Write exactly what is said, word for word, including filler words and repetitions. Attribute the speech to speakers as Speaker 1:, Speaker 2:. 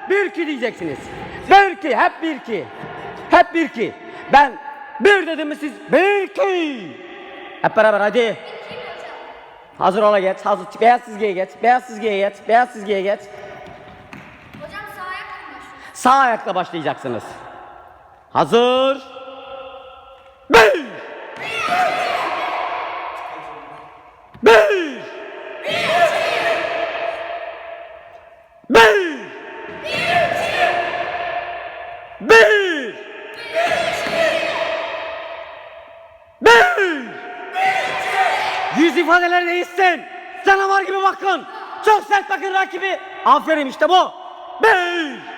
Speaker 1: bir iki diyeceksiniz. Bir iki, hep bir iki. Hep bir iki. Ben bir dedim mi siz bir iki. Hep beraber hadi. Hazır ola geç. Hazır. Beyaz çizgiye geç. Beyaz çizgiye geç. Beyaz çizgiye geç.
Speaker 2: Hocam sağ ayakla mı başlıyoruz?
Speaker 1: Sağ ayakla başlayacaksınız. Hazır. Bir. Bir. Bir. Bir. Bir. Yüz ifadeleri değişsin. Canavar gibi bakın. Çok sert bakın rakibi. Aferin işte bu. Bir.